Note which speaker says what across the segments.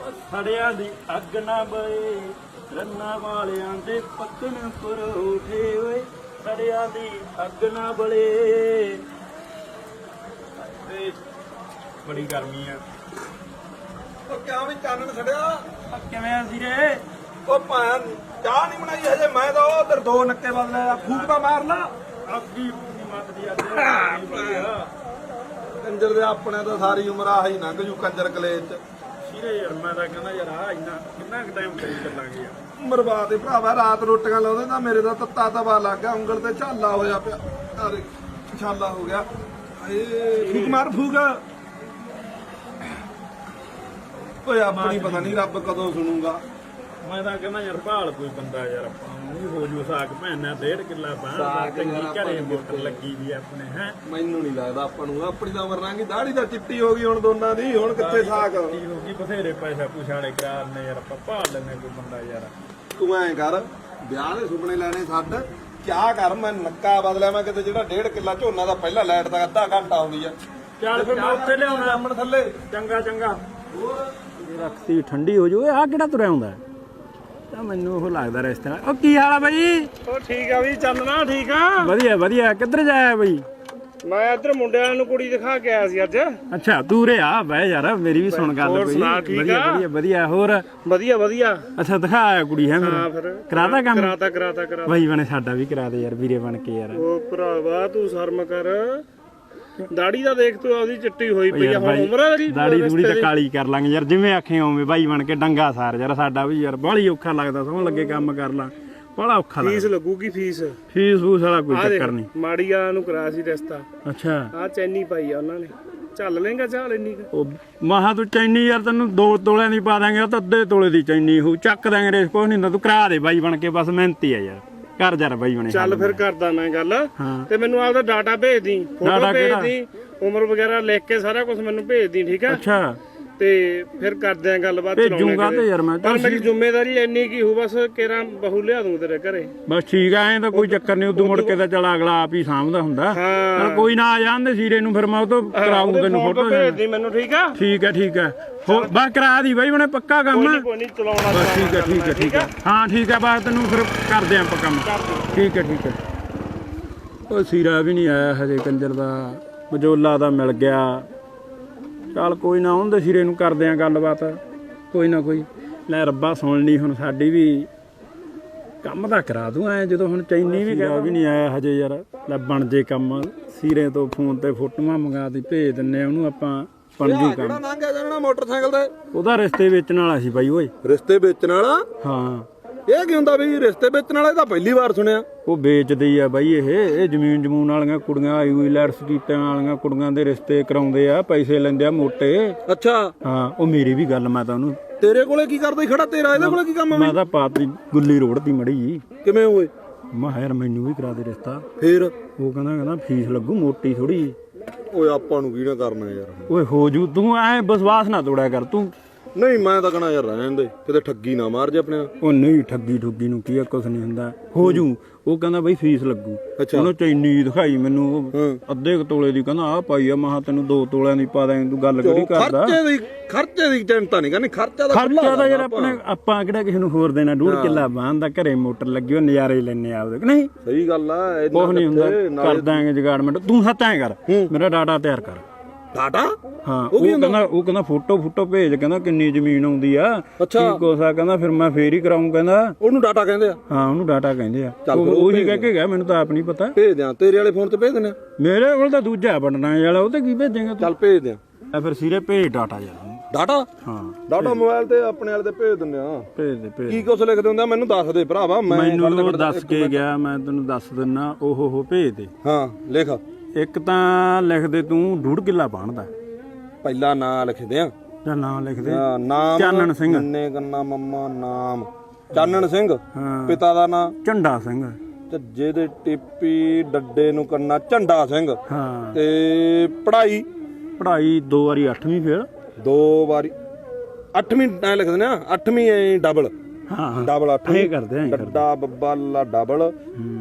Speaker 1: ਸੜਿਆਂ ਦੀ ਅੱਗ ਨਾ ਬਲੇ ਰੰਨਾਂ ਵਾਲਿਆਂ ਦੇ ਪੱਕਣ ਪਰੋਠੇ ਓਏ ਸੜਿਆਂ ਦੀ ਅੱਗ ਨਾ ਬਲੇ। ਬੜੀ ਗਰਮੀ ਆ।
Speaker 2: ਉਹ ਕਿਉਂ ਵੀ ਚਾਨਣ ਛੜਿਆ
Speaker 1: ਕਿਵੇਂ ਆ ਵੀਰੇ?
Speaker 2: ਉਹ ਭਾਂ ਚਾਹ ਨਹੀਂ ਬਣਾਈ ਹਜੇ। ਮੈਂ ਤਾਂ ਉਧਰ ਦੋ ਨੱਕੇ ਬਦਲੇ ਆ, ਫੂਕ ਤਾਂ ਮਾਰ ਲਾ।
Speaker 1: ਅੱਗੀ ਮੱਤਦੀ ਅੱਜ
Speaker 2: ਕੰਜਰ ਦੇ ਆਪਣੇ ਤਾਂ ਸਾਰੀ ਉਮਰ ਆਹੀ ਲੰਘ ਜੂ ਕੰਜਰ ਕਲੇਜ ਚ।
Speaker 1: ਵੀਰੇ ਯਾਰ ਮੈਂ ਤਾਂ ਕਹਿੰਦਾ ਯਾਰ ਆ ਇੰਨਾ ਕਿੰਨਾ ਕੁ ਟਾਈਮ ਕਰੀ ਚੱਲਾਂਗੇ ਯਾਰ।
Speaker 2: ਬਰਬਾਦ ਹੀ ਭਰਾਵਾ। ਰਾਤ ਰੋਟੀਆਂ ਲਾਉਂਦੇ ਤਾਂ ਮੇਰੇ ਦਾ ਤੱਤਾ ਤਵਾ ਲੱਗ ਗਿਆ, ਉਂਗਲ ਤੇ ਝਾਲਾ ਹੋਇਆ ਪਿਆ। ਅਰੇ ਛਾਲਾ ਹੋ ਗਿਆ। ਏ ਫੂਕ ਮਾਰ ਫੂਕ। ਓਏ ਆਪਣੀ ਪਤਾ ਨਹੀਂ ਰੱਬ ਕਦੋਂ ਸੁਣੂਗਾ।
Speaker 1: ਮੈਂ ਤਾਂ ਕਹਿੰਦਾ ਯਾਰ ਭਾਲ ਕੋਈ ਬੰਦਾ ਯਾਰ ਆਪਾਂ ਨੂੰ ਹੋ ਜੂ ਸਾਕ ਭੈਣਾ 1.5 ਕਿੱਲਾ
Speaker 2: ਸਾਕ
Speaker 1: ਚੰਗੀ
Speaker 2: ਯਾਰ
Speaker 1: ਘਰੇ
Speaker 2: ਆਪਾਂ
Speaker 1: ਮੋਟਰ ਲੱਗੀ ਵੀ ਆਪਣੇ ਹੈ।
Speaker 2: ਮੈਨੂੰ ਨਹੀਂ ਲੱਗਦਾ ਆਪਾਂ ਨੂੰ। ਆਪਣੀ ਤਾਂ ਉਮਰ ਲੰਘੀ, ਦਾੜੀ ਤਾਂ ਚਿੱਟੀ ਹੋ ਗਈ ਹੁਣ ਦੋਨਾਂ ਦੀ। ਹੁਣ ਕਿੱਥੇ ਸਾਕ।
Speaker 1: ਹੋ ਗਈ ਬਥੇਰੇ ਪੈਸਾ ਪੁਛਾਲੇ ਕਰਾਰਨੇ ਯਾਰ ਆਪਾਂ ਭਾਲ ਲੈਣੇ ਕੋਈ ਬੰਦਾ ਯਾਰ।
Speaker 2: ਤੂੰ ਐਂ ਕਰ, ਵਿਆਹ ਦੇ ਸੁਪਨੇ ਲੈਣੇ ਛੱਡ, ਕਿਆ ਕਰ। ਮੈਂ ਨੱਕਾ ਬਦਲਿਆ। ਮੈਂ ਕਿਤੇ ਜਿਹੜਾ 1.5 ਕਿੱਲਾ ਝੋਨਾ ਦਾ ਪਹਿਲਾਂ ਲਾਈਟ ਦਾ ਅੱਧਾ ਘੰਟਾ ਆਉਂਦੀ ਆ।
Speaker 1: ਚੱਲ ਫਿਰ ਮੈਂ ਉੱਥੇ ਲਿਆਉਣਾ
Speaker 2: ਸਾਹਮਣੇ ਥੱਲੇ।
Speaker 1: ਚੰਗਾ ਚੰਗਾ। ਰੱਖਤੀ ਠੰਡੀ ਹੋ ਜੂ। ਆ ਕਿਹੜਾ ਤੁਰਿਆ ਹੁੰਦਾ ਤਾਂ ਮੈਨੂੰ ਉਹ ਲੱਗਦਾ ਰਿਸ਼ਤੇ ਨਾਲ। ਉਹ ਕੀ ਹਾਲ ਆ ਬਾਈ?
Speaker 3: ਉਹ ਠੀਕ ਆ ਵੀ ਚੱਲਣਾ। ਠੀਕ ਆ
Speaker 1: ਵਧੀਆ ਵਧੀਆ। ਕਿੱਧਰ ਜਾਇਆ ਬਾਈ?
Speaker 3: ਮੈਂ ਇੱਧਰ ਮੁੰਡਿਆਂ ਨੂੰ ਕੁੜੀ ਦਿਖਾ ਕੇ ਆਇਆ ਸੀ ਅੱਜ।
Speaker 1: ਅੱਛਾ ਤੂੰ ਰੇ ਆ ਬਹਿ ਯਾਰ, ਮੇਰੀ ਵੀ ਸੁਣ ਗੱਲ
Speaker 3: ਹੋਰ
Speaker 1: ਕੋਈ।
Speaker 3: ਸੁਣਾ, ਠੀਕ
Speaker 1: ਵਧੀਆ
Speaker 3: ਆ?
Speaker 1: ਵਧੀਆ ਵਧੀਆ। ਹੋਰ
Speaker 3: ਵਧੀਆ ਵਧੀਆ।
Speaker 1: ਅੱਛਾ ਦਿਖਾਇਆ ਕੁੜੀ ਹੈ
Speaker 3: ਹਾਂ
Speaker 1: ਮੇਰੀ?
Speaker 3: ਫਿਰ
Speaker 1: ਕਰਾਤਾ ਕੰਮ?
Speaker 3: ਕਰਾਤਾ
Speaker 1: ਬਾਈ ਬਣੇ ਸਾਡਾ ਵੀ ਕਰਾ ਦੇ ਯਾਰ, ਵੀਰੇ ਬਣ ਕੇ ਯਾਰ।
Speaker 3: ਉਹ ਭਰਾਵਾ ਤੂੰ ਸ਼ਰਮ ਕਰ। ਦਾੜੀ ਦਾ ਦੇਖ ਤੂੰ ਆਪਦੀ ਚਿੱਟੀ ਹੋਈ ਪਈ ਆ। ਹੁਣ ਉਮਰ ਆ ਤੇਰੀ।
Speaker 1: ਦਾੜੀ ਦੂੜੀ ਤਾਂ ਕਾਲੀ ਕਰ ਲਾਂਗੇ ਯਾਰ, ਜਿਵੇਂ ਆਖੇ ਉਵੇਂ ਬਾਈ ਬਣ ਕੇ ਡੰਗਾ ਸਾਰ ਯਾਰ। ਸਾਡਾ ਵੀ ਯਾਰ ਬਾਹਲੀ ਔਖਾ ਲੱਗਦਾ, ਸੌਣ ਲੱਗੇ ਕੰਮ ਕਰ ਲਾਂ ਬੜਾ ਔਖਾ
Speaker 3: ਫੀਸ
Speaker 1: ਲੱਗਦਾ।
Speaker 3: ਲੱਗੂਗੀ ਫੀਸ।
Speaker 1: ਫੀਸ ਫੂਸ ਵਾਲਾ ਕੋਈ
Speaker 3: ਆ ਦੇਖ
Speaker 1: ਚੱਕਰ ਨਹੀਂ।
Speaker 3: ਮਾੜੀ ਵਾਲਾ ਨੂੰ ਕਰਾਇਆ ਸੀ ਰਿਸ਼ਤਾ।
Speaker 1: ਅੱਛਾ
Speaker 3: ਆ ਚੈਨੀ ਪਾਈ ਆ ਉਹਨਾਂ ਨੇ। ਚੱਲ ਲੇਗਾ ਚਾਲ ਇੰਨੀ ਕੁ।
Speaker 1: ਉਹ ਮਹਾ ਤੂੰ ਚੈਨੀ ਯਾਰ ਤੈਨੂੰ 2 ਤੋਲਿਆਂ ਦੀ ਪਾ ਦਾਂਗੇ, ਉਹ ਤਾਂ ਅੱਧੇ ਤੋਲੇ ਦੀ ਚੈਨੀ ਹੋ ਚੱਕ ਦਾਂਗੇ। ਰੇਸ ਕੁਛ ਨਹੀਂ ਹੁੰਦਾ, ਤੂੰ ਕਰਾ ਦੇ ਬਾਈ ਬਣ ਕੇ, ਬਸ ਮਿਹਨਤੀ ਆ ਯਾਰ। ਕਰ ਯਾਰ ਬਾਈ ਬਣੇ।
Speaker 3: ਚੱਲ ਫਿਰ ਕਰਦਾ ਮੈਂ ਗੱਲ।
Speaker 1: ਹਾਂ।
Speaker 3: ਤੇ ਮੈਨੂੰ ਆਪਦਾ ਡਾਟਾ ਭੇਜ ਦੀ, ਫੋਟੋ
Speaker 1: ਡਾਟਾ
Speaker 3: ਭੇਜ
Speaker 1: ਕਿਹੜਾ?
Speaker 3: ਦੀ, ਉਮਰ ਵਗੈਰਾ ਲਿਖ ਕੇ ਸਾਰਾ ਕੁਝ ਮੈਨੂੰ ਭੇਜ ਦੀ। ਠੀਕ ਆ?
Speaker 1: ਅੱਛਾ
Speaker 3: ਤੇ ਫਿਰ ਕਰਦੇ ਆ ਗੱਲਬਾਤ।
Speaker 1: ਭੇਜੂਗਾ ਤੇ ਯਾਰ ਮੈਂ
Speaker 3: ਪਰ ਮੇਰੀ ਜ਼ਿੰਮੇਵਾਰੀ ਇੰਨੀ ਕੀ ਹੋ, ਬਸ ਕੇਰਾ ਬਹੂ ਲਿਆ ਦੂੰ ਤੇਰੇ ਘਰੇ।
Speaker 1: ਬਸ ਠੀਕ ਆ। ਐਂ ਤਾਂ ਕੋਈ ਚੱਕਰ ਨਹੀਂ, ਉਦੋਂ ਮੁੜ ਕੇ ਤਾਂ ਚਲ ਅਗਲਾ ਆਪ ਹੀ ਸਾਂਭਦਾ ਹੁੰਦਾ।
Speaker 3: ਹਾਂ।
Speaker 1: ਚੱਲ ਕੋਈ ਨਾ ਆ ਜਾਂਦੇ ਸੀਰੇ ਨੂੰ, ਫਿਰ ਮੈਂ ਉਹ ਤੋਂ ਕਰਾਊਂ ਤੈਨੂੰ ਫੋਟੋ।
Speaker 3: ਭੇਜ ਦੀ ਮੈਨੂੰ। ਠੀਕ ਆ?
Speaker 1: ਠੀਕ ਹੈ ਠੀਕ ਹੈ। ਬਸ ਕਰਾ ਦੀ ਬਾਈ ਬਣੇ, ਪੱਕਾ ਕੰਮ ਆ।
Speaker 3: ਕੋਈ ਨਹੀਂ ਚਲਾਉਣਾ।
Speaker 1: ਬਸ ਠੀਕ ਹੈ ਠੀਕ ਹੈ ਠੀਕ ਹੈ। ਹਾਂ ਠੀਕ ਹੈ, ਬਸ ਤੈਨੂੰ ਫਿਰ ਕਰਦੇ ਆਂ ਆਪਾਂ ਕੰਮ। ਠੀਕ ਹੈ ਠੀਕ ਹੈ। ਉਹ ਸੀਰਾ ਵੀ ਨਹੀਂ ਆਇਆ ਹਜੇ ਕੰਜਰ ਦਾ, ਮਜੋਲਾ ਦਾ ਮਿਲ ਗਿਆ। ਚੱਲ ਕੋਈ ਨਾ, ਉਹਦੇ ਸਿਰੇ ਨੂੰ ਕਰਦੇ ਆਂ ਗੱਲਬਾਤ ਕੋਈ ਨਾ ਕੋਈ। ਲੈ ਰੱਬਾ ਸੁਣ ਲਈ ਹੁਣ ਸਾਡੀ ਵੀ, ਕੰਮ ਤਾਂ ਕਰਾ ਦੂੰ ਐ। ਜਦੋਂ ਹੁਣ ਚੈਨੀ ਵੀ ਨਹੀਂ ਆਇਆ ਹਜੇ ਯਾਰ। ਲੈ ਬਣ ਜੇ ਕੰਮ। ਸੀਰੇ ਤੋਂ ਫੋਨ ਤੇ ਫੋਟੋਆਂ ਮੰਗਾ ਦੀ ਭੇਜ ਦਿੰਨੇ ਉਹਨੂੰ ਆਪਾਂ, ਬਣ ਜੂ ਕੰਮ।
Speaker 2: ਕਿਹੜਾ ਲੰਘਿਆ ਜਾਣਾ ਮੋਟਰਸਾਈਕਲ ਤੇ?
Speaker 1: ਉਹਦਾ ਰਿਸ਼ਤੇ ਵੇਚਣ ਵਾਲਾ ਸੀ ਬਾਈ ਓਏ।
Speaker 2: ਰਿਸ਼ਤੇ ਵੇਚਣ ਵਾਲਾ?
Speaker 1: ਹਾਂ।
Speaker 2: ਇਹ ਕੀ ਹੁੰਦਾ ਬਈ ਰਿਸ਼ਤੇ ਵੇਚਣ ਵਾਲਾ? ਇਹ ਤਾਂ ਪਹਿਲੀ ਵਾਰ ਸੁਣਿਆ।
Speaker 1: ਉਹ ਵੇਚਦੇ ਆ ਬਾਈ। ਇਹ ਜ਼ਮੀਨ ਜਮੂਨ ਵਾਲੀਆਂ ਕੁੜੀਆਂ, ਆਈਲੈਟਸ ਕੀਤਿਆਂ ਵਾਲੀਆਂ ਕੁੜੀਆਂ ਦੇ ਰਿਸ਼ਤੇ ਕਰਾਉਂਦੇ ਆ, ਪੈਸੇ ਲੈਂਦੇ ਆ ਮੋਟੇ।
Speaker 2: ਅੱਛਾ।
Speaker 1: ਹਾਂ ਉਹ ਮੇਰੀ ਵੀ ਗੱਲ, ਮੈਂ ਤਾਂ ਉਹਨੂੰ।
Speaker 2: ਤੇਰੇ ਕੋਲੇ ਕੀ ਕਰਦਾ ਖੜਾ? ਤੇਰਾ ਇਹਦੇ ਕੋਲੇ ਕੀ ਕੰਮ ਆ?
Speaker 1: ਮੈਂ ਤਾਂ ਪਾਤੀ ਗੁੱਲੀ ਰੋੜਤੀ ਮੜੀ ਜੀ।
Speaker 2: ਕਿਵੇਂ ਹੋਏ?
Speaker 1: ਮੈਂ ਯਾਰ ਮੈਨੂੰ ਵੀ ਕਰਾ ਦੇ ਰਿਸ਼ਤਾ।
Speaker 2: ਫੇਰ
Speaker 1: ਉਹ ਕਹਿੰਦਾ ਫੀਸ ਲੱਗੂ ਮੋਟੀ ਥੋੜੀ।
Speaker 2: ਓਏ ਆਪਾਂ ਨੂੰ ਕੀ ਨਾ ਕਰਨਾ ਯਾਰ।
Speaker 1: ਓਏ ਹੋ ਜੂ, ਤੂੰ ਐ ਵਿਸ਼ਵਾਸ ਨਾ ਤੋੜਿਆ ਕਰ ਤੂੰ।
Speaker 2: ਨਹੀਂ ਮੈਂ ਤਾਂ ਕਹਣਾ ਯਾਰ ਰਹਿਣ ਦੇ, ਕਿਤੇ ਠੱਗੀ ਨਾ ਮਾਰ ਜੇ ਆਪਣੇ ਨਾਲ।
Speaker 1: ਉਹ ਨਹੀਂ ਠੱਗੀ ਠੁੱਗੀ ਨੂੰ ਕੀ ਆ, ਕੁਛ ਨਹੀਂ ਹੁੰਦਾ, ਹੋ ਜੂ। ਉਹ ਕਹਿੰਦਾ ਬਈ ਫੀਸ ਲੱਗੂ। ਉਹਨੇ ਚੈਨੀ ਦਿਖਾਈ ਮੈਨੂੰ, ਅੱਧੇ ਕੁ ਤੋਲੇ ਦੀ। ਕਹਿੰਦਾ ਆ ਪਾਈ ਆ। ਮਹਾ ਤੈਨੂੰ 2 ਤੋਲਿਆਂ ਦੀ ਪਾ ਦਾਂ। ਤੂੰ ਗੱਲ ਕਿਹੜੀ ਕਰਦਾ?
Speaker 2: ਖਰਚੇ ਦੀ ਚਿੰਤਾ ਨਹੀਂ ਕਰਨੀ। ਖਰਚਾ
Speaker 1: ਤਾਂ ਯਾਰ ਆਪਣੇ ਆਪਾਂ ਕਿਹੜਾ ਕਿਸੇ ਨੂੰ ਹੋਰ ਦੇਣਾ। 1.5 ਕਿੱਲਾ ਬਾਂਦਾ, ਘਰੇ ਮੋਟਰ ਲੱਗੀ, ਉਹ ਨਜ਼ਾਰੇ ਲੈਣੇ ਆਪਦੇ। ਨਹੀਂ
Speaker 2: ਸਹੀ ਗੱਲ ਆ।
Speaker 1: ਕੁਛ ਨਹੀਂ ਹੁੰਦਾ, ਕਰ ਦਾਂਗੇ ਜਗਾੜਮੈਂਟ। ਤੂੰ ਸੱਤ ਐਂ ਕਰ, ਮੇਰਾ ਡਾਟਾ ਤਿਆਰ ਕਰ।
Speaker 2: ਡਾਟਾ?
Speaker 1: ਹਾਂ ਉਹ ਕਹਿੰਦਾ ਫੋਟੋ ਭੇਜ। ਕਹਿੰਦਾ ਕਿੰਨੀ ਜ਼ਮੀਨ ਆਉਂਦੀ ਆ, ਕੀ ਕੁਛ ਆ। ਕਹਿੰਦਾ ਫਿਰ ਮੈਂ ਫੇਰ ਹੀ ਕਰਾਊਂ। ਕਹਿੰਦਾ
Speaker 2: ਉਹਨੂੰ ਡਾਟਾ ਕਹਿੰਦੇ ਆ?
Speaker 1: ਹਾਂ ਉਹਨੂੰ ਡਾਟਾ ਕਹਿੰਦੇ ਆ। ਉਹੀ ਕਹਿ ਕੇ ਗਿਆ, ਮੈਨੂੰ ਤਾਂ ਆਪ ਨਹੀਂ ਪਤਾ।
Speaker 2: ਭੇਜ ਦਿਆਂ ਤੇਰੇ ਵਾਲੇ ਫੋਨ ਤੇ ਭੇਜ ਦਿੰਦੇ?
Speaker 1: ਮੇਰੇ ਕੋਲ ਤਾਂ ਦੂਜਾ ਬਣਨਾ ਵਾਲਾ, ਉਹ ਤੇ ਕੀ ਭੇਜੇਗਾ?
Speaker 2: ਚੱਲ ਭੇਜ ਦਿਆਂ।
Speaker 1: ਫਿਰ ਸਿਰੇ ਭੇਜ ਡਾਟਾ ਯਾਰ।
Speaker 2: ਡਾਟਾ?
Speaker 1: ਹਾਂ
Speaker 2: ਡਾਟਾ ਮੋਬਾਈਲ ਤੇ ਆਪਣੇ ਵਾਲੇ ਤੇ ਭੇਜ ਦਿੰਦੇ ਆ।
Speaker 1: ਭੇਜ
Speaker 2: ਕੀ ਕੁਛ ਲਿਖਦੇ ਹੁੰਦੇ ਆ ਮੈਨੂੰ ਦੱਸ ਦੇ ਭਰਾਵਾ।
Speaker 1: ਮੈਨੂੰ ਦੱਸ ਕੇ ਗਿਆ, ਮੈਂ ਤੈਨੂੰ ਦੱਸ ਦਿੰਨਾ। ਉਹ ਭੇਜ ਦੇ।
Speaker 2: ਹਾਂ ਲਿਖ। ਇੱਕ
Speaker 1: ਤਾਂ ਲਿਖ ਦੇ ਤੂੰ 1.5 ਕਿੱਲਾ ਬਾਣਦਾ।
Speaker 2: ਪਹਿਲਾ ਨਾਂ ਲਿਖਦੇ ਆ।
Speaker 1: ਜਾਂ ਨਾਂ ਲਿਖ ਦੇ।
Speaker 2: ਨਾਮ
Speaker 1: ਚਾਨਣ ਸਿੰਘ।
Speaker 2: ਨੰਨੇ ਕੰਨਾ ਮੰਮਾ ਨਾਮ ਚਾਨਣ ਸਿੰਘ।
Speaker 1: ਹਾਂ।
Speaker 2: ਪਿਤਾ ਦਾ ਨਾਂ
Speaker 1: ਝੰਡਾ ਸਿੰਘ।
Speaker 2: ਝੱਜੇ ਦੇ ਟਿੱਪੀ ਡੱਡੇ ਨੂੰ ਕੰਨਾ ਝੰਡਾ ਸਿੰਘ।
Speaker 1: ਹਾਂ।
Speaker 2: ਤੇ ਪੜ੍ਹਾਈ
Speaker 1: 2 ਵਾਰੀ 8ਵੀਂ ਫੇਲ।
Speaker 2: 2 ਵਾਰੀ 8ਵੀਂ ਐ ਲਿਖ ਦਿੰਦੇ ਆ। 8ਵੀਂ ਐ ਡਬਲ।
Speaker 1: ਹਾਂ
Speaker 2: ਡਬਲ 8ਵੀਂ
Speaker 1: ਕਰਦੇ ਆ।
Speaker 2: ਡੱਡਾ ਬੱਬਾ ਲਾ ਡਬਲ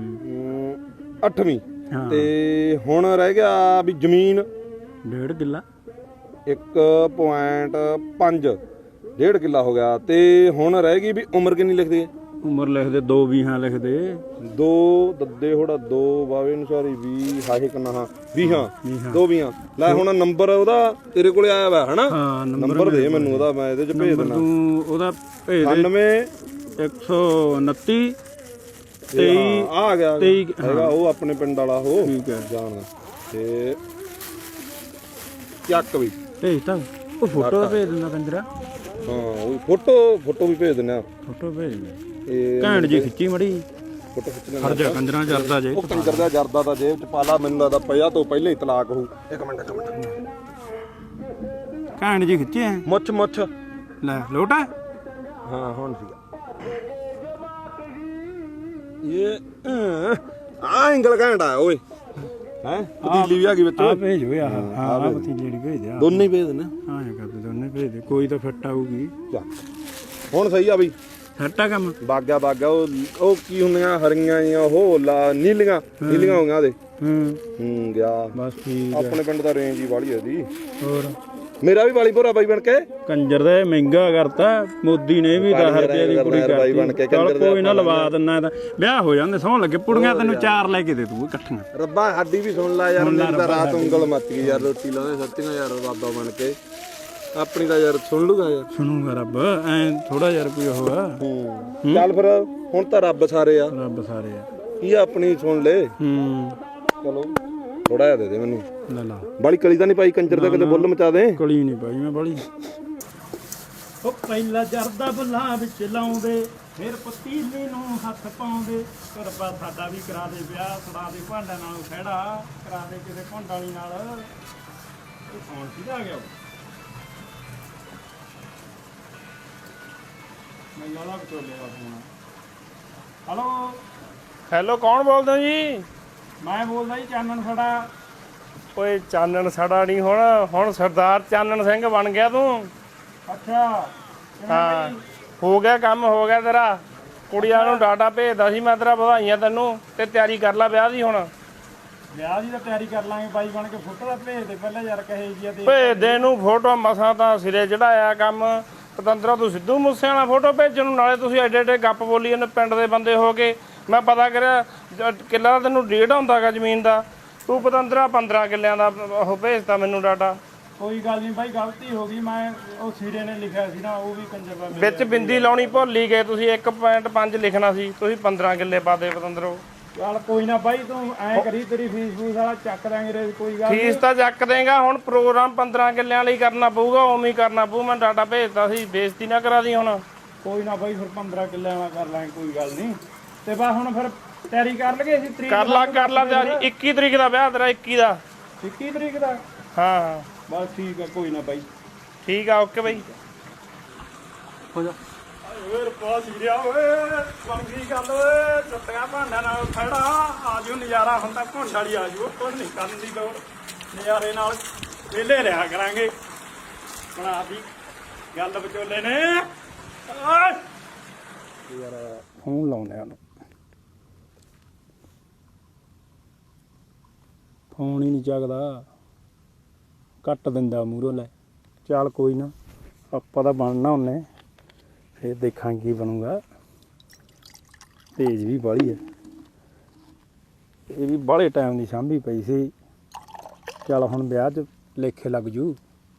Speaker 2: 8ਵੀਂ। ਤੇ ਹੁਣ ਰਹਿ ਗਿਆ ਵੀ ਜ਼ਮੀਨ
Speaker 1: 1.5 ਕਿੱਲਾ
Speaker 2: 1.5 1.5 ਕਿੱਲਾ ਹੋ ਗਿਆ। ਤੇ ਹੁਣ ਰਹਿ ਗਈ ਵੀ ਉਮਰ ਕਿੰਨੀ ਲਿਖਦੇ
Speaker 1: ਉਮਰ ਲਿਖਦੇ 2 ਵੀਹਾਂ ਲਿਖਦੇ
Speaker 2: 2 ਦੱਦੇ ਹੋੜਾ 2 ਬਾਵੇ ਅਨੁਸਾਰੀ 20 ਹਾਹੇ ਕਿੰਨਾ ਹਾਂ 20 ਹਾਂ 2 20 ਲੈ ਹੁਣ ਨੰਬਰ ਉਹਦਾ ਤੇਰੇ ਕੋਲੇ ਆਇਆ ਵਾ ਹਨਾ
Speaker 1: ਹਾਂ
Speaker 2: ਨੰਬਰ ਦੇ ਮੈਨੂੰ ਉਹਦਾ ਮੈਂ ਇਹਦੇ ਚ ਭੇਜ ਦਿੰਦਾ
Speaker 1: ਤੂੰ ਉਹਦਾ ਭੇਜ ਦੇ
Speaker 2: 99
Speaker 1: 129 23
Speaker 2: ਆ ਗਿਆ
Speaker 1: 23
Speaker 2: ਹੈਗਾ ਉਹ ਆਪਣੇ ਪਿੰਡ ਵਾਲਾ ਉਹ
Speaker 1: ਠੀਕ ਹੈ
Speaker 2: ਜਾਣਦਾ ਤੇ ਚੱਕ ਵੀ
Speaker 1: ਭੇਜ ਤਾਂ ਉਹ ਫੋਟੋ ਭੇਜ ਦਿੰਦਾ ਕੰਜਰਾ
Speaker 2: ਹਾਂ ਉਹ ਫੋਟੋ ਵੀ ਭੇਜ ਦਿੰਦੇ ਆ
Speaker 1: ਫੋਟੋ ਭੇਜ ਦੇ
Speaker 2: ਇਹ
Speaker 1: ਘੈਂਟ ਜੀ ਖਿੱਚੀ ਮੜੀ
Speaker 2: ਫੋਟੋ ਖਿੱਚਣੇ
Speaker 1: ਹਰ ਜਾ ਕੰਜਰਾ ਜਰਦਾ ਜੇ
Speaker 2: ਉਹ ਕੰਜਰ ਦਾ ਜਰਦਾ ਤਾਂ ਜੇਬ ਚ ਪਾਲਾ ਮੈਨੂੰ ਲੱਗਦਾ ਪਿਆ ਤੋਂ ਪਹਿਲਾਂ ਹੀ ਤਲਾਕ ਹੋਊ ਇੱਕ ਮਿੰਟ
Speaker 1: ਘੈਂਟ ਜੀ ਖਿੱਚੀ ਐ
Speaker 2: ਮੁੱਛ
Speaker 1: ਲੈ ਲੋਟਾ
Speaker 2: ਹਾਂ ਹੁਣ ਸੀਗਾ ਇਹ ਆ ਐਂਗਲ ਘੈਂਟਾ ਓਏ ਹੈ ਪਤੀਲੀ ਵੀ ਆ ਗਈ ਵਿੱਚ
Speaker 1: ਆ ਭੇਜ ਓਏ ਆਹ ਹਾਂ ਪਤੀਲੀ ਜਿਹੜੀ ਭੇਜ ਦੇ
Speaker 2: ਦੋਨੇ ਹੀ ਭੇਜ ਦੇਣਾ
Speaker 1: ਹਾਂ ਇਹ ਕਰਦੇ ਦੋਨੇ ਭੇਜ ਦੇ ਕੋਈ ਤਾਂ ਫਿੱਟ ਆਊਗੀ
Speaker 2: ਹੁਣ ਸਹੀ ਆ ਬਈ
Speaker 1: ਫਿੱਟ ਆ ਕੰਮ
Speaker 2: ਬਾਗਾ ਉਹ ਕੀ ਹੁੰਦੀਆਂ ਹਰੀਆਂ ਜੀਆਂ ਉਹ ਨੀਲੀਆਂ ਹੋ ਗਈਆਂ ਉਹਦੇ ਗਿਆ
Speaker 1: ਬਸ ਠੀਕ
Speaker 2: ਆਪਣੇ ਪਿੰਡ ਦਾ ਰੇਂਜ ਹੀ ਵਾਲੀ ਉਹਦੀ
Speaker 1: ਹੋਰ
Speaker 2: ਮੇਰਾ ਵੀ ਵਾਲੀ ਭੋਰਾ ਬਾਈ ਬਣ ਕੇ
Speaker 1: ਕੰਜਰ ਦਾ ਮਹਿੰਗਾ ਕਰਤਾ ਮੋਦੀ ਨੇ ਵੀ 10 ਰੁਪਏ ਦੀ ਕੁੜੀ ਕਰਤੀ ਚੱਲ ਕੋਈ ਨਾ ਲਵਾ ਦਿੰਨਾ ਤਾਂ ਵਿਆਹ ਹੋ ਜਾਂਦੇ ਸੌਂ ਲੱਗੇ ਪੁੜੀਆਂ ਤੈਨੂੰ 4 ਲੈ ਕੇ ਦੇ ਤੂੰ ਇਕੱਠੀਆਂ
Speaker 2: ਰੱਬਾ ਸਾਡੀ ਵੀ ਸੁਣ ਲੈ ਯਾਰ ਮੇਰੀ ਤਾਂ ਰਾਤ ਉਂਗਲ ਮੱਤ ਗਈ ਯਾਰ ਰੋਟੀ ਲਾਉਂਦੇ ਸੱਤੀਆਂ ਯਾਰ ਬਾਬਾ ਬਣ ਕੇ ਆਪਣੀ ਤਾਂ ਯਾਰ ਸੁਣ ਲੂਗਾ ਯਾਰ
Speaker 1: ਸੁਣੂਗਾ ਰੱਬ ਐ ਥੋੜਾ ਜਿਹਾ ਰੁਪਇਆ ਹੋਇਆ
Speaker 2: ਚੱਲ ਫਿਰ ਹੁਣ ਤਾਂ ਰੱਬ ਸਾਰੇ ਆ
Speaker 1: ਰੱਬ ਸਾਰੇ ਆ
Speaker 2: ਕੀ ਆਪਣੀ ਸੁਣ ਲੈ ਚਲੋ ਥੋੜਾ ਜਿਹਾ ਦੇ ਦੇ ਮੈਨੂੰ
Speaker 1: ਲੈ ਲਾ
Speaker 2: ਬਾਲੀ ਕਲੀ ਤਾਂ ਨਹੀਂ ਪਾਈ ਕੰਜਰ ਦਾ ਕਿਤੇ ਬੁੱਲ ਮਚਾ ਦੇ
Speaker 1: ਕਲੀ ਨਹੀਂ ਪਾਈ ਮੈਂ ਬਾਲੀ ਉਹ ਪਹਿਲਾ ਜਰਦਾ ਬੁੱਲਾਂ ਵਿੱਚ ਲਾਉਂਦੇ ਫਿਰ ਪਤੀਲੇ ਨੂੰ ਹੱਥ ਪਾਉਂਦੇ ਕਰਪਾ ਸਾਡਾ ਵੀ ਕਰਾ ਦੇ ਵਿਆਹ ਛੜਾ ਦੇ ਭਾਂਡਿਆਂ ਨਾਲ ਖੜਾ ਕਰਾ ਦੇ ਕਿਸੇ ਭੰਡ ਵਾਲੀ ਨਾਲ ਇਹ ਕੌਣ ਸੀਗਾ ਆ ਗਿਆ ਮੈਂ ਲਾਲਾ ਬਚੋਲੇ ਦਾ ਫੋਨ ਹਲੋ
Speaker 3: ਹੈਲੋ ਕੌਣ ਬੋਲਦੇ ਹੋ ਜੀ?
Speaker 1: ਮੈਂ ਬੋਲਦਾ ਜੀ ਚਾਨਣ ਸਾਡਾ
Speaker 3: ਓਏ ਚਾਨਣ ਸਾਡਾ ਨਹੀਂ ਹੁਣ ਸਰਦਾਰ ਚਾਨਣ ਸਿੰਘ ਬਣ ਗਿਆ ਤੂੰ।
Speaker 1: ਅੱਛਾ
Speaker 3: ਹਾਂ ਹੋ ਗਿਆ ਕੰਮ ਹੋ ਗਿਆ ਤੇਰਾ। ਕੁੜੀਆਂ ਨੂੰ ਡਾਟਾ ਭੇਜਦਾ ਸੀ ਮੈਂ ਤੇਰਾ ਵਧਾਈਆਂ ਤੈਨੂੰ ਤੇ ਤਿਆਰੀ ਕਰ ਲੈ ਵਿਆਹ ਦੀ ਹੁਣ।
Speaker 1: ਵਿਆਹ ਦੀ ਤਾਂ ਤਿਆਰੀ ਕਰ ਲਾਂਗੇ ਬਾਈ ਬਣ ਕੇ ਫੋਟੋ ਦਾ ਭੇਜ ਦੇ ਪਹਿਲਾਂ ਯਾਰ ਕਹੇ ਜੀ ਤੇ
Speaker 3: ਭੇਜ ਦੇ ਨੂੰ ਫੋਟੋ ਮਸਾਂ ਤਾਂ ਸਿਰੇ ਚੜਾਇਆ ਕੰਮ। ਪਤੰਦਰਾ ਤੂੰ ਸਿੱਧੂ ਮੂਸੇ ਵਾਲਾ ਫੋਟੋ ਭੇਜਣ ਨੂੰ ਨਾਲੇ ਤੁਸੀਂ ਐਡੇ ਐਡੇ ਗੱਪ ਬੋਲੀ ਜਾਂਦੇ ਪਿੰਡ ਦੇ ਬੰਦੇ ਹੋ ਕੇ। ਮੈਂ ਪਤਾ ਕਰਿਆ ਕਿੱਲਾ ਦਾ ਤੈਨੂੰ ਡੇਢ ਹੁੰਦਾਗਾ ਜ਼ਮੀਨ ਦਾ ਤੂੰ ਪਤੰਦਰਾ 15 ਕਿੱਲਿਆਂ ਦਾ ਉਹ ਭੇਜਤਾ ਮੈਨੂੰ ਡਾਟਾ।
Speaker 1: ਕੋਈ ਗੱਲ ਨਹੀਂ ਬਾਈ ਗਲਤੀ ਹੋ ਗਈ ਮੈਂ ਉਹ ਸਿਰੇ ਨੇ ਲਿਖਿਆ ਸੀ ਨਾ ਉਹ ਵੀ ਕੰਜਰ ਦਾ
Speaker 3: ਵਿੱਚ ਬਿੰਦੀ ਲਾਉਣੀ ਭੁੱਲ ਹੀ ਗਏ ਤੁਸੀਂ 1.5 ਲਿਖਣਾ ਸੀ ਤੁਸੀਂ 15 ਕਿੱਲੇ ਪਾ ਦੇ ਪਤੰਦਰੋ।
Speaker 1: ਚੱਲ ਕੋਈ ਨਾ ਬਾਈ ਤੂੰ ਐ ਕਰੀ ਤੇਰੀ ਫੀਸ ਫੂਸ ਵਾਲਾ ਚੱਕ ਦਾਂਗੇ ਰੇ ਕੋਈ ਗੱਲ
Speaker 3: ਫੀਸ ਤਾਂ ਚੱਕ ਦੇਗਾ ਹੁਣ ਪ੍ਰੋਗਰਾਮ 15 ਕਿੱਲਿਆਂ ਲਈ ਕਰਨਾ ਪਊਗਾ ਉਵੇਂ ਹੀ ਕਰਨਾ ਪਊ। ਮੈਂ ਡਾਟਾ ਭੇਜਤਾ ਸੀ ਬੇਇੱਜ਼ਤੀ ਨਾ ਕਰਾ ਦੀ ਹੁਣ।
Speaker 1: ਕੋਈ ਨਾ ਬਾਈ ਫਿਰ 15 ਕਿੱਲਿਆਂ ਵਾਲਾ ਕਰ ਲਾਂਗੇ ਕੋਈ ਗੱਲ ਨਹੀਂ ਤੇ ਬਸ ਹੁਣ ਫਿਰ ਤਿਆਰੀ ਕਰ ਲਗੇ ਅਸੀਂ ਤਰੀਕ
Speaker 3: ਕਰ ਲਾ ਤਿਆਰੀ 21 ਤਰੀਕ ਦਾ ਵਿਆਹ ਤੇਰਾ 21 ਦਾ
Speaker 1: 21 ਤਰੀਕ ਦਾ
Speaker 3: ਹਾਂ
Speaker 1: ਬਸ ਠੀਕ ਆ ਕੋਈ ਨਾ ਬਾਈ
Speaker 3: ਠੀਕ ਆ ਓਕੇ ਬਾਈ
Speaker 1: ਹੋ ਜਾ ਓਏ ਪਾਸ ਗਿਆ ਓਏ ਬਣ ਗਈ ਗੱਲ ਓਏ ਚੁੱਟੀਆਂ ਭਾਂਡਿਆਂ ਨਾਲ ਖੜਾ ਆਜੋ ਨਜ਼ਾਰਾ ਹੁੰਦਾ ਭੁੰਡ ਵਾਲੀ ਆਜੋ ਕੋਈ ਨਹੀਂ ਕਰਨ ਦੀ ਲੋੜ ਨਜ਼ਾਰੇ ਨਾਲ ਵਿਹਲੇ ਰਿਹਾ ਕਰਾਂਗੇ ਬਣਾ ਦੀ ਗੱਲ ਵਿਚੋਲੇ ਨੇ ਓਏ ਯਾਰ ਫੋਨ ਲਾਉਂਦੇ ਆ ਫੋਨ ਹੀ ਨਹੀਂ ਚੱਕਦਾ ਕੱਟ ਦਿੰਦਾ ਮੂਹਰੋਂ ਲੈ ਚੱਲ ਕੋਈ ਨਾ ਆਪਾਂ ਤਾਂ ਬਣਨਾ ਉਹਨੇ ਫਿਰ ਦੇਖਾਂਗੇ ਕੀ ਬਣੂਗਾ ਤੇਜ਼ ਵੀ ਬਾਹਲੀ ਹੈ ਇਹ ਵੀ ਬਾਹਲੇ ਟਾਈਮ ਦੀ ਸਾਂਭੀ ਪਈ ਸੀ ਚੱਲ ਹੁਣ ਵਿਆਹ 'ਚ ਲੇਖੇ ਲੱਗ ਜੂ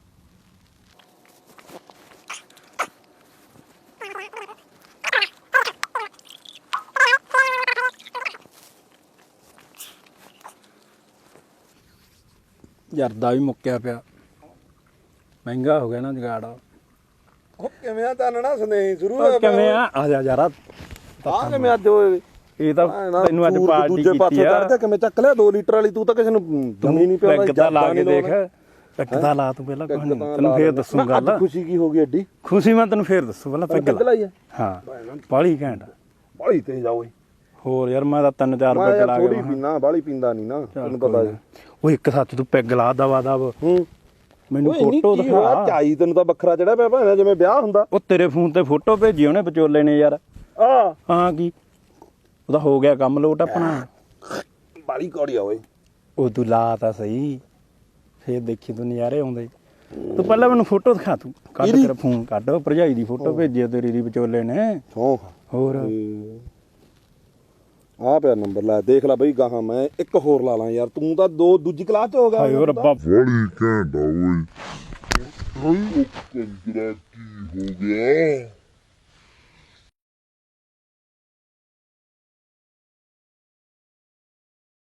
Speaker 1: ਜਰਦਾ ਵੀ ਮੁੱਕਿਆ ਪਿਆ ਮਹਿੰਗਾ ਹੋ ਗਿਆ ਨਾ ਜਗਾੜ
Speaker 2: ਉਹ ਕਿਵੇਂ ਆ ਤਾਨਣਾ ਸਨੇਹੀ ਸ਼ੁਰੂ
Speaker 1: ਕਿਵੇਂ ਆ ਜਾ ਯਾਰ
Speaker 2: ਆ ਕਿਵੇਂ ਅੱਜ ਹੋਏ
Speaker 1: ਇਹ ਤਾਂ ਤੈਨੂੰ ਅੱਜ ਪਾਰਟੀ
Speaker 2: ਦੂਜੇ ਪਾਸੇ
Speaker 1: ਕੀਤੀ ਆ
Speaker 2: ਚੜਦਾ ਕਿਵੇਂ ਚੱਕ ਲਿਆ 2 ਲੀਟਰ ਵਾਲੀ ਤੂੰ ਤਾਂ ਕਿਸੇ ਨੂੰ ਦਮੀ ਨਹੀਂ ਪਿਆ
Speaker 1: ਪੈਗ ਤਾਂ ਲਾ ਕੇ ਦੇਖ ਪੈਗ ਤਾਂ ਲਾ ਤੂੰ ਪਹਿਲਾਂ ਕੁਝ ਨਹੀਂ ਤੈਨੂੰ ਫੇਰ ਦੱਸੂ ਗੱਲ
Speaker 2: ਖੁਸ਼ੀ ਕੀ ਹੋ ਗਈ ਐਡੀ
Speaker 1: ਖੁਸ਼ੀ ਮੈਂ ਤੈਨੂੰ ਫੇਰ ਦੱਸੂ ਪਹਿਲਾਂ ਪੈਗ ਲਾ ਹਾਂ ਬਾਲੀ ਘੈਂਟ
Speaker 2: ਬਾਲੀ ਤੇ ਜਾ ਓਏ
Speaker 1: ਹੋਰ ਯਾਰ ਮੈਂ ਤਾਂ 3-4 ਪੈਗ ਲਾ
Speaker 2: ਥੋੜੀ
Speaker 1: ਗਿਆ
Speaker 2: ਪੀਣਾ ਬਾਲੀ ਪੀਂਦਾ ਨਹੀਂ ਨਾ ਤੈਨੂੰ ਪਤਾ ਜੀ
Speaker 1: ਉਹ ਇੱਕ ਸੱਚ ਤੂੰ ਪੈਗ ਲਾ ਦਵਾ ਦਵ ਮੈਨੂੰ
Speaker 2: ਓਏ
Speaker 1: ਫੋਟੋ ਦਿਖਾ
Speaker 2: ਚਾਈ ਤੈਨੂੰ ਤਾਂ ਵੱਖਰਾ ਚੜਿਆ ਪਿਆ ਭਾਵੇਂ ਜਿਵੇਂ ਵਿਆਹ ਹੁੰਦਾ
Speaker 1: ਉਹ ਤੇਰੇ ਫੋਨ ਤੇ ਫੋਟੋ ਭੇਜੀ ਉਹਨੇ ਵਿਚੋਲੇ ਨੇ ਯਾਰ
Speaker 2: ਆ
Speaker 1: ਹਾਂ ਕੀ ਉਹਦਾ ਹੋ ਗਿਆ ਕੰਮ ਲੋਟ ਆਪਣਾ
Speaker 2: ਬਾਲੀ ਕੌੜੀ ਆ ਓਏ
Speaker 1: ਉਹ ਤੂੰ ਲਾ ਤਾਂ ਸਹੀ ਫੇਰ ਦੇਖੀ ਤੂੰ ਨਜ਼ਾਰੇ ਆਉਂਦੇ ਤੂੰ ਪਹਿਲਾਂ ਮੈਨੂੰ ਫੋਟੋ ਦਿਖਾ, ਤੂੰ ਕੱਢ ਕੇ ਫੋਨ ਕੱਢ, ਭਰਜਾਈ ਦੀ ਫੋਟੋ ਭੇਜੀ ਤੇਰੀ ਦੀ ਵਿਚੋਲੇ ਨੇ। ਹੋਰ
Speaker 2: ਆ ਪਿਆ ਨੰਬਰ, ਲੈ ਦੇਖ ਲੈ ਬਈ ਗਾਹਾਂ ਮੈਂ ਇੱਕ ਹੋਰ ਲਾ ਲਾਂ ਯਾਰ, ਤੂੰ ਤਾਂ ਦੂਜੀ ਕਲਾਸ ਚ ਹੋ ਗਿਆ।
Speaker 1: ਹਾਏ ਓ ਰੱਬਾ,
Speaker 4: ਬੜੀ ਘੈਂਟ ਆ ਓਏ। ਹਾਏ ਉਹ ਕੰਜਰਾ ਕੀ ਹੋ ਗਿਆ?